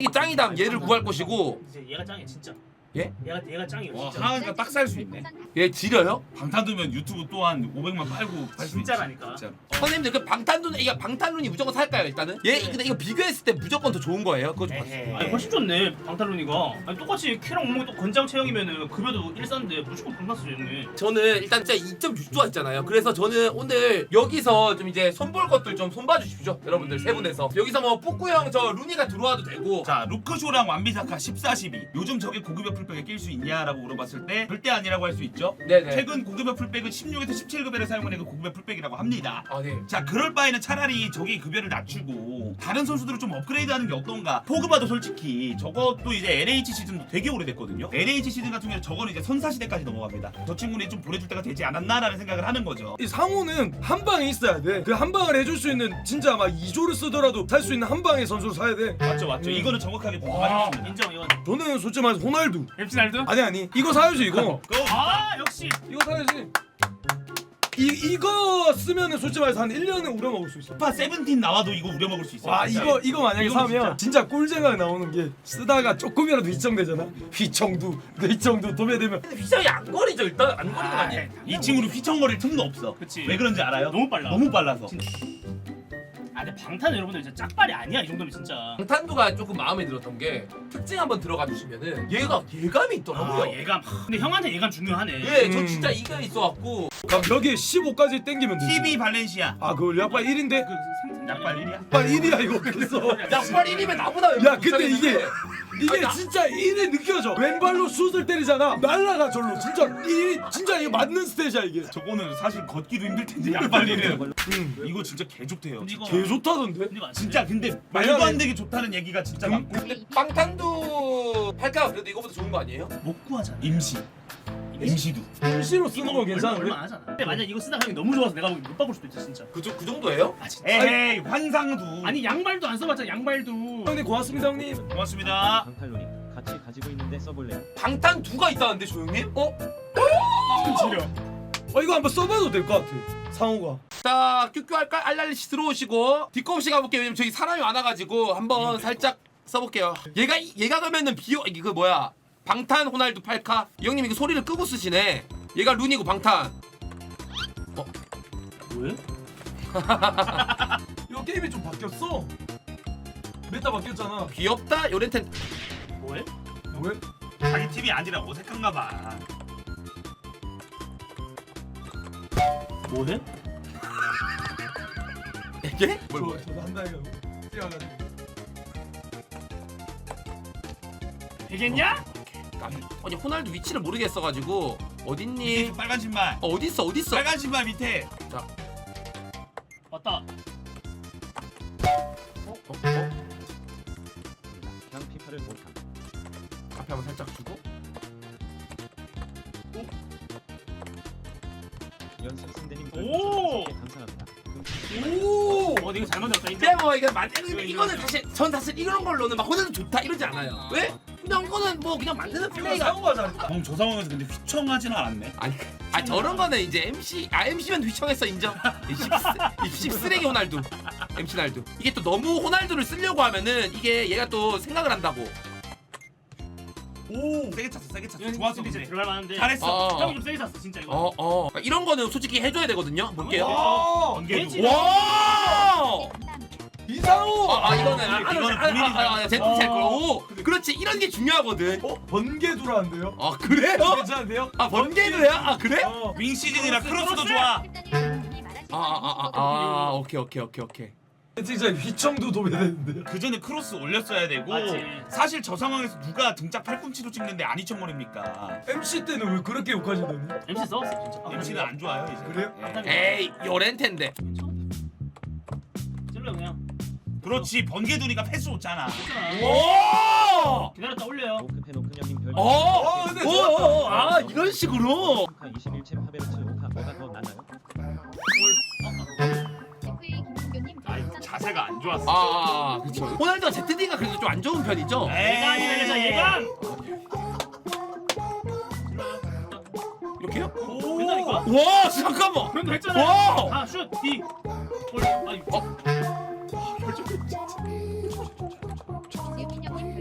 이 짱이다. 얘를 구할 것이고. 이제 얘가 짱이야 진짜. 예? 얘가 짱이야 와 진짜. 하하니까 딱 살 수 있네. 얘 지려요? 방탄 두면 유튜브 또한 500만 팔고 팔 수 있지. 진짜라니까. 진짜로. 선생님들 그 방탄룬 이거 방탄룬이 무조건 살까요 일단은? 얘 근데 이거 비교했을 때 무조건 더 좋은 거예요. 그거 좀 봤어요. 아니 훨씬 좋네 방탄룬이가. 아니 똑같이 키랑 몸무게 또 건장 체형이면은 급여도 일싼데 무조건 방탄 쓰겠네. 저는 일단 진짜 2.6조가 있잖아요. 그래서 저는 오늘 여기서 좀 이제 손볼 것들 좀 손봐 주십시오. 여러분들 세 분에서 여기서 뭐 뿌꾸 형 저 루니가 들어와도 되고. 자 루크쇼랑 완비사카 14, 12 요즘 저게 고급여 풀백에 낄 수 있냐라고 물어봤을 때 절대 아니라고 할 수 있죠. 네네. 최근 고급여 풀백은 16에서 17급여를 사용하는 그 고급여 풀백이라고 합니다. 아 네. 자 그럴 바에는 차라리 저기 급여를 낮추고 다른 선수들을 좀 업그레이드하는 게 어떤가. 포그바도 솔직히 저것도 이제 LH 시즌도 되게 오래됐거든요. LH 시즌 같은 경우는 저거는 이제 선사시대까지 넘어갑니다. 저 친구는 좀 보내줄 때가 되지 않았나라는 생각을 하는 거죠. 이 상호는 한 방에 있어야 돼. 그 한 방을 해줄 수 있는 진짜 막 2조를 쓰더라도 살 수 있는 한 방의 선수를 사야 돼. 맞죠 맞죠. 이거는 정확하게 공감하셨습니다. 인정 이건. 저는 솔직히 말해서 호날두. MC 날도? 아니 이거 사야지 이거. 아 역시. 이거 사야지. 이거 쓰면은 솔직히 말해서 한 1년은 우려먹을 수 있어. 피파 17 나와도 이거 우려먹을 수 있어요. 와 진짜로. 이거 만약에 이거는 사면 진짜 꿀쟁각 나오는 게 쓰다가 조금이라도 휘청되잖아. 휘청도 도배되면 휘청이 안 거리죠 일단 안 거리는 거 아니에요? 이 친구는 휘청거릴 틈도 없어. 그치. 왜 그런지 알아요? 너무 빨라. 너무 빨라서. 아 근데 방탄 여러분들 진짜 짝발이 아니야 이 정도면 진짜. 방탄두가 조금 마음에 들었던 게 특징 한번 들어가 주시면은 얘가 예감이 있더라고요. 아 예감. 근데 형한테 예감 중요하네. 예, 저 진짜 이가 있어갖고 그럼 여기에 15까지 땡기면 돼. TV 발렌시아. 아 그걸 약발 1인데? 약발 1이야? 약발 1이야 이거 그래서. 약발 1이면 나보다 야 근데 이게 아니, 진짜 1이 느껴져. 왼발로 슛을 때리잖아. 날라가 절로. 진짜 1이 진짜 이게 맞는 스탯이야 이게. 저거는 사실 걷기도 힘들 텐데 약발 1이는. 이거 진짜 개 좋대요. 근데 이거 개 좋다던데? 근데 이거 안 진짜 근데 말도 안 되게 좋다는 얘기가 진짜 많고 근데 방탄두 팔까 그래도 이거보다 좋은 거 아니에요? 못 구하잖아. 임시도. 임시로 쓰는 거 얼마 괜찮은데? 안 하잖아. 근데 만약 이거 쓰다가 형이 너무 좋아서 내가 보기 못 바꿀 수도 있어 진짜. 그 정도예요? 아 진짜. 에이 환상도. 아니 양말도 안 써봤잖아 양말도. 형님 고맙습니다 형님. 고맙습니다. 방탈론이 같이 가지고 있는데 써볼래요? 방탄두가 있다는데 조용님? 지려. 이거 한번 써봐도 될 것 같아. 상호가. 자 큐큐 할까? 알랄리씨 들어오시고 뒷검씨 가볼게요. 왜냐면 저기 사람이 많아가지고 한번 살짝 써볼게요. 얘가 가면은 이게 그 뭐야 방탄 호날두 팔카. 이 형님 이거 소리를 끄고 쓰시네. 얘가 룬이고 방탄. 뭐해? 이거 게임이 좀 바뀌었어. 메타 바뀌었잖아. 귀엽다 요렌텐. 뭐해? 왜? 자기 팀이 아니라 어색한가 봐. 뭐해? 이게? 저도 한다 이거. 뛰어가지고. 되겠냐? 아니 호날두 위치를 모르겠어가지고 어딨니? 빨간 신발. 어딨어? 빨간 신발 밑에. 왔다. 그냥 피파를 못함. 앞에 한번 살짝 주고. 연습 승대님 오! 감사합니다. 오. 근데 이거 잘 만들었다. 근데 뭐 이거 만드는데 이거는 사실 이런 걸로는 막 호날두 좋다 이러지 않아요. 왜? 그냥 이거는 뭐 그냥 만드는 플레이가. 상호가 잘했다. 형 저 상황에서 근데 휘청하진 않았네. 아니 저런 거는 이제 MC면 휘청했어 인정. 이 씹쓰레기 호날두. MC 날두. 이게 또 너무 호날두를 쓰려고 하면은 이게 얘가 또 생각을 한다고. 오 세게 찼어 세게 찼어. 좋았어 이제 근데. 들어갈 만한데. 잘했어. 형이 좀 세게 찼어 진짜 이거. 이런 거는 솔직히 해줘야 되거든요. 볼게요. 와! 번개도. 와. 이상호. 이거는 본인이 제품체 거. 그렇지 이런 게 중요하거든. 번개두라는데요? 아 그래요? 괜찮은데요? 아 번개도야? 아 그래? 윙 시즌이라 크로스도 좋아. 오케이. 진짜 휘청도 도배되는데. 그 전에 크로스 올렸어야 되고. 맞지. 사실 저 상황에서 누가 등짝 팔꿈치로 찍는데 안 휘청거립니까? MC 때는 왜 그렇게 욕하시더니? MC 써왔어 진짜. MC는 안 좋아요 이제. 그래요? 예. 에이 요렌텐데. 찔러 그냥. 그렇지 번개두니까 패스 좋잖아. 오! 기다렸다 올려요. 오크페노 큰형님 별. 근데 이런 식으로. 피파 21체 파베르츠 오카 뭐가 더 나나요? 아 이거 자세가 안 좋았어. 그렇죠. 호날두가 ZD가 그래도 좀 안 좋은 편이죠. 예감이다 예감. 이렇게요? 된다니까? 와 잠깐만. 그런도 했잖아. 와! 아 슛 D. 골. 아니.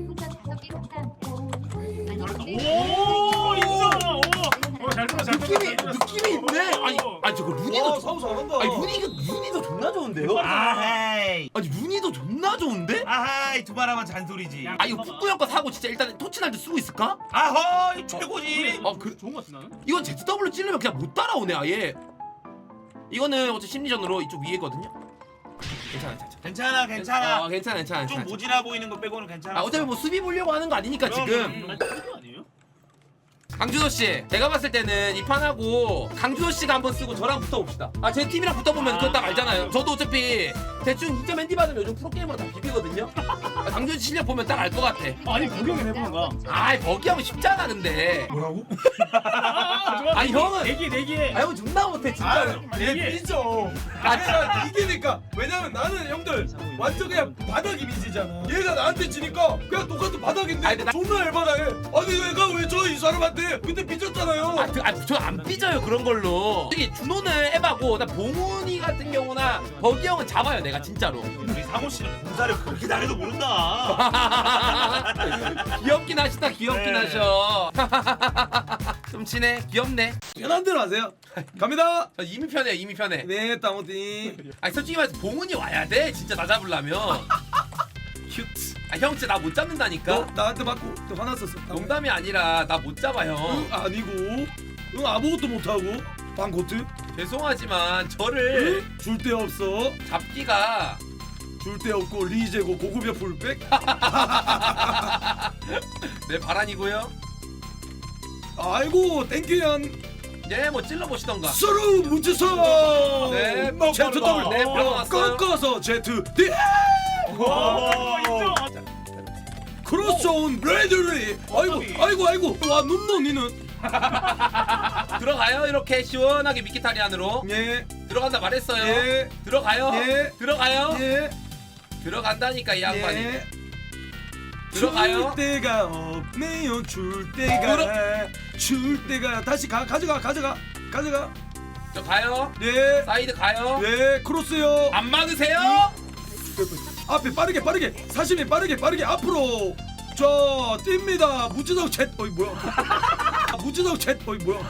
윤희도 사우 잘한다. 아니 윤희도 존나 좋은데요? 아하이 아니 윤희도 존나 좋은데? 아하이 두 말하면 잔소리지. 아 이거 푸꾸형 거 사고 진짜 일단 토치날도 쓰고 있을까? 아허 최고지. 그 좋은 거 같아 나는. 이건 ZW 찌르면 그냥 못 따라오네 아예. 이거는 어차피 심리전으로 이쪽 위에거든요. 괜찮아. 괜찮아. 괜찮아. 좀 모질아 보이는 거 빼고는 괜찮아. 아 어차피 뭐 수비 보려고 하는 거 아니니까 그럼, 지금. 아니 그거 아니에요? 강준호 씨, 제가 봤을 때는 이 판하고 강준호 씨가 한번 쓰고 저랑 붙어봅시다. 아 제 팀이랑 붙어보면 그거 딱 알잖아요. 저도 어차피 대충 2점 핸디 받으면 요즘 프로게이머로 다 비비거든요. 아, 강준호 씨 실력 보면 딱 알 것 같아. 아니 구경을 해보는 거야. 아이 버기 하면 쉽잖아 근데. 뭐라고? 아니 형은 내기에. 아 형은 존나 못해 진짜로. 내기에. 삐져. 내가 이기니까. 왜냐면 나는 형들 완전 그냥 바닥 이미지잖아. 얘가 나한테 지니까 그냥 똑같은 바닥인데 아니, 근데 존나 열받아해. 아니 얘가 왜 저 이 사람한테 그때 삐졌잖아요. 저 안 삐져요 그런 걸로. 특히 준호는 에바고 나 봉훈이 같은 경우나 버기 형은 잡아요 내가 진짜로. 우리 상호 씨는 공사를 그렇게 잘해도 모른다. 귀엽긴 하시다 귀엽긴 네. 하셔. 좀 친해 귀엽네. 편한 대로 하세요. 갑니다. 저 이미 편해요 이미 편해. 네, 땅어디. 아니 솔직히 말해서 봉훈이 와야 돼 진짜 나 잡으려면. 큐트. 아 형 진짜 나 못 잡는다니까. 너 나한테 맞고 또 화났었어. 농담이 아니라 나 못 잡아 형. 응 아니고. 응 아무것도 못하고. 방코트. 죄송하지만 저를 응? 줄 데 없어. 잡기가 줄 데 없고 리제고 고급여 풀백. 내 바란이고요. 아이고 땡큐연. 네 뭐 찔러보시던가. 서로 묻혀서. 네, Z 더블. 네 들어갔어요. 꺾어서 Z D. 인정. 크로스온 레드리. 아이고. 와 눈너 니는. 들어가요 이렇게 시원하게 미키타리안으로. 예. 들어간다 말했어요. 예. 들어가요. 예. 들어가요. 예. 들어간다니까 이 양반이. 예. 들어가요. 줄 데가 없네요. 줄 데가 다시 가져가. 저 가요. 예. 사이드 가요. 예. 크로스요. 안 막으세요? 앞에 빠르게 사심이 빠르게 앞으로 자 뜁니다. 무지성 챗 어이 뭐야. 무지성 챗 어이 뭐야.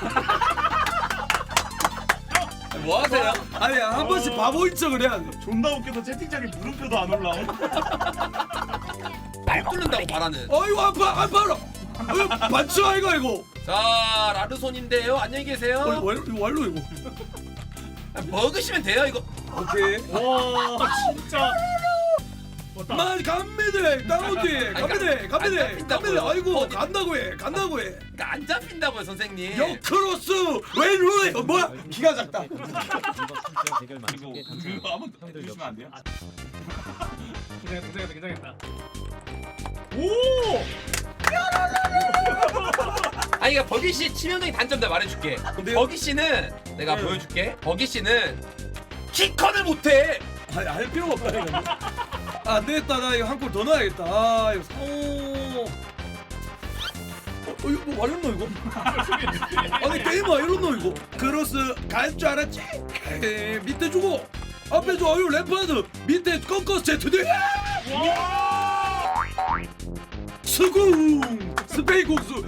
뭐 하세요? 아니 한 번씩 바보인 척을 해야 돼. 존나 웃겨서 채팅창에 물음표도 안 올라옴. 말 뚫는다고 말하는. 아이고 아파 반쳐 아이고 자 라르손인데요. 안녕히 계세요. 왈로 이거. 먹으시면 돼요 이거. 오케이. 와 진짜. 왔다. 만 갑니다. 다운디 갑니다. 아이고 간다고 해. 그러니까 안 잡힌다고요 선생님. 역크로스 왼로에 뭐야? 기가 작다. 이번 선수와 대결 이거 맛있게 그거 한번 형들 해주시면 안 돼요? 긴장했다. 오! 아니 그러니까 버기 씨 치명적인 단점 내가 말해줄게. 근데요? 버기 씨는 내가 네. 보여줄게. 버기 씨는 키컨을 못해. 아니 할 필요가 없다 이거. 안 되겠다. 나 이거 한 골 더 넣어야겠다. 아 이거 이거 뭐 말렸노 이거? 아니 게임아 이렇노 이거? 크로스 갈 줄 알았지? 에이, 밑에 주고 앞에 줘. 아유 램파드 밑에 꺾어서 제트대. 수궁 스페인 국수.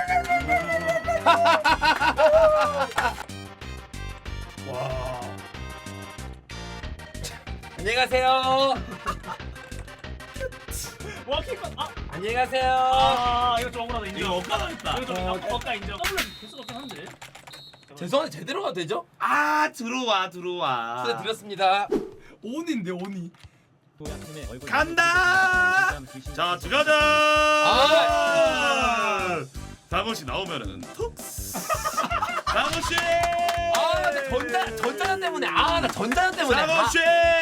와. 안녕히 가세요. 와 킥. 안녕히 가세요. 이거 좀 억울하다 인정. 이거 엇갈아졌다. 이거 좀 억까 인정. 더블 개수가 없긴 한데. 죄송한데 제대로 가도 되죠? 아 들어와. 드렸습니다. 온인데 온이. 도약팀의 얼굴 간다! 자 들어가자. 아! 장호씨 나오면은 톡. 장호씨. 전자전 때문에 나 전자전 때문에. 장호씨.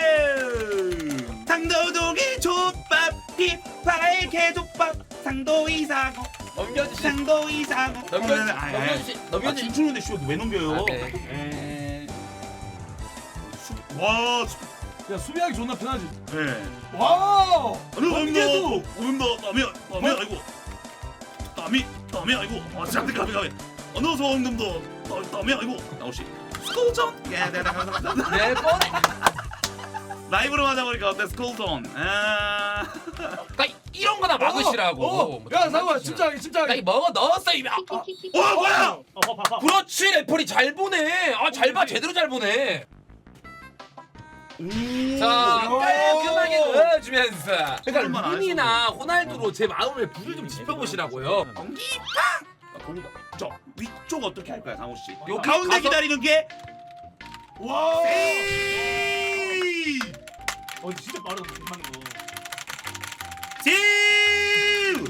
상도동이 족밥 피파의 개족밥 상도 이사고 넘겨주시. 상도 이사고 넘겨주시. 춤추는데 왜 넘겨요? 아, 네. 와, 야 수비하기 존나 편하지. 네. 와. 넘겨도 땀이 아이고 땀이 아이고 잠깐 가비 어느 소음도 땀이 아이고 나오시 스콜전 네 감사합니다. 네 뻔해. 라이브로 하자 보니까 어때 스콜전 그러니까 이런 거나 하나 막으시라고. 뭐 야 상호야 장난치시나. 침착하게 나 이 먹어 넣었어 이미. 뭐야? 봐봐. 그렇지 레퍼리 잘 보네. 잘 봐 제대로 잘 보네. 자 깔끔하게 넣어주면서. 그러니까 그럴만 안 루니나 호날두로 제 마음을 불을 좀 지펴보시라고요. 저 위쪽 어떻게 할까요, 상호 씨? 여기 가운데 가서- 기다리는 게 와 에이! 진짜 빠르다 대박인 거. 지!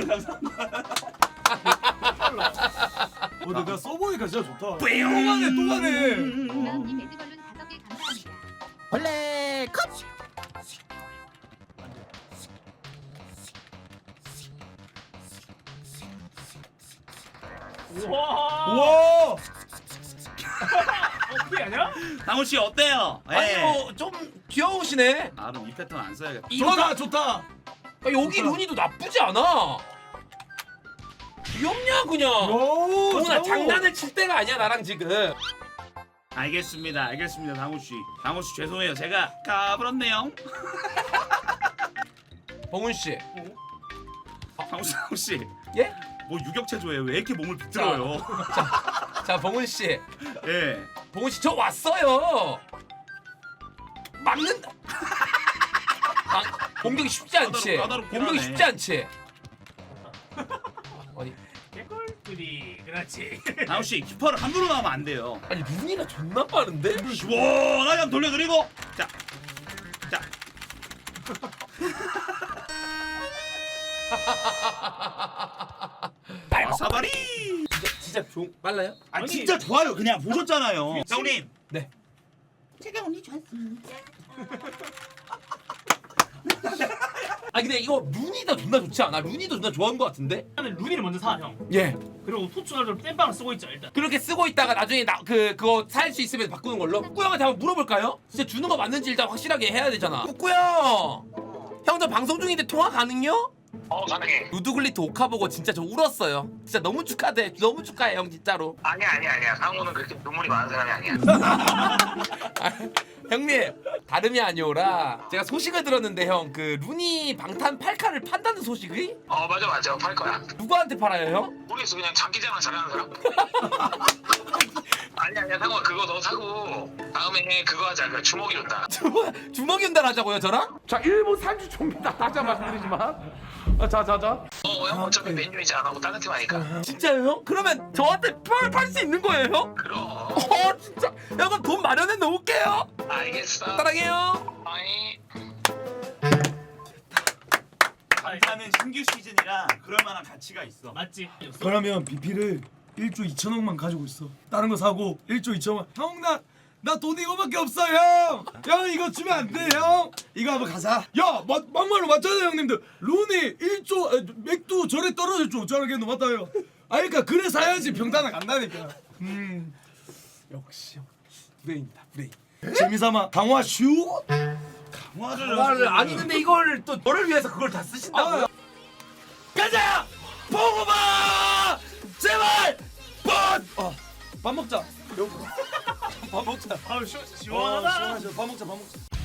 내가 써보니까 진짜 좋다 또 뿌용! 가네 또 가네 다음님 매드걸룬 5개 감사합니다. 원래 컷. 우와. 우와 어떻게 아냐? 상호 씨 어때요? 아니 예. 뭐좀 귀여우시네. 아, 그럼 이 패턴 안 써야겠다. 이거 좋다 여기 루니도 나쁘지 않아. 귀엽냐 그냥. 오 동훈아 장난을 칠 때가 아니야 나랑 지금. 알겠습니다, 상호 씨. 상호 씨 죄송해요, 제가 까불었네요. 봉훈 씨. 상호 씨. 예? 뭐 유격체조예요? 왜 이렇게 몸을 비틀어요? 자 봉훈 씨. 예. 봉훈 씨 저 왔어요. 막는다. 공격이 쉽지 않지. 까다롭긴 공격이 하네. 쉽지 않지. 아니 개꿀들이 그렇지. 상호 씨 키퍼를 함부로 나오면 안 돼요. 아니 루니가 존나 빠른데? 시원하게 한번 돌려드리고 자. 사바리. 진짜 좀 빨라요? 아 진짜 좋아요. 그냥 보셨잖아요. 형님. 네. 제가 언니 좋았습니다. 아 근데 이거 루니가 존나 좋지 않아? 루니도 존나 좋아하는 것 같은데? 일단은 루니를 먼저 사 형. 예. 그리고 토츠널을 땜빵을 쓰고 있죠 일단. 그렇게 쓰고 있다가 나중에 그거 살 수 있으면 바꾸는 걸로. 꾸꾸 형한테 한번 물어볼까요? 진짜 주는 거 맞는지 일단 확실하게 해야 되잖아. 꾸꾸 형. 형 저 방송 중인데 통화 가능요? 가능해. 루드글리트 오카 보고 진짜 저 울었어요. 진짜 너무 축하해. 너무 축하해 형 진짜로. 아니야. 상호는 그렇게 눈물이 많은 사람이 아니야. 아, 형님 다름이 아니오라 제가 소식을 들었는데 형 그 루니 방탄 8카를 판다는 소식이? 맞아. 팔 거야. 누구한테 팔아요 형? 모르겠어. 그냥 장기자랑 잘하는 사람. 아니야. 상호야 그거 너 사고 다음에 그거 하자. 그 주먹이 온다. 주먹이 운달 하자고요 저랑? 자 1분 30초입니다. 다시 한번 말씀드리지만 자자자 형 어차피 맨유이지 안 하고 다른 팀 하니까. 진짜요 형? 그러면 저한테 팔 수 있는 거예요 형? 그럼. 진짜 야 그럼 돈 마련해 놓을게요. 알겠어. 사랑해요. 아이. 방탄은 신규 시즌이라 그럴 만한 가치가 있어. 맞지? 그러면 BP를 1조 2천억만 가지고 있어 다른 거 사고 1조 2천억 나 돈 이거밖에 없어 형 이거 주면 안 돼 형 이거 한번 가자 막말로 맞잖아요 형님들 루니 1조 맥두 절에 떨어졌죠 저렇게도 맞다요 그러니까 그래 사야지 병단은 간다니까 역시 브레인이다 브레인. 재미삼아 강화 슈 강화를 아니 근데 이걸 또 너를 위해서 그걸 다 쓰신다고요? 가자! 보고봐! 제발! 밥 먹자 밥 먹자. 아유 시원하다. 밥 먹자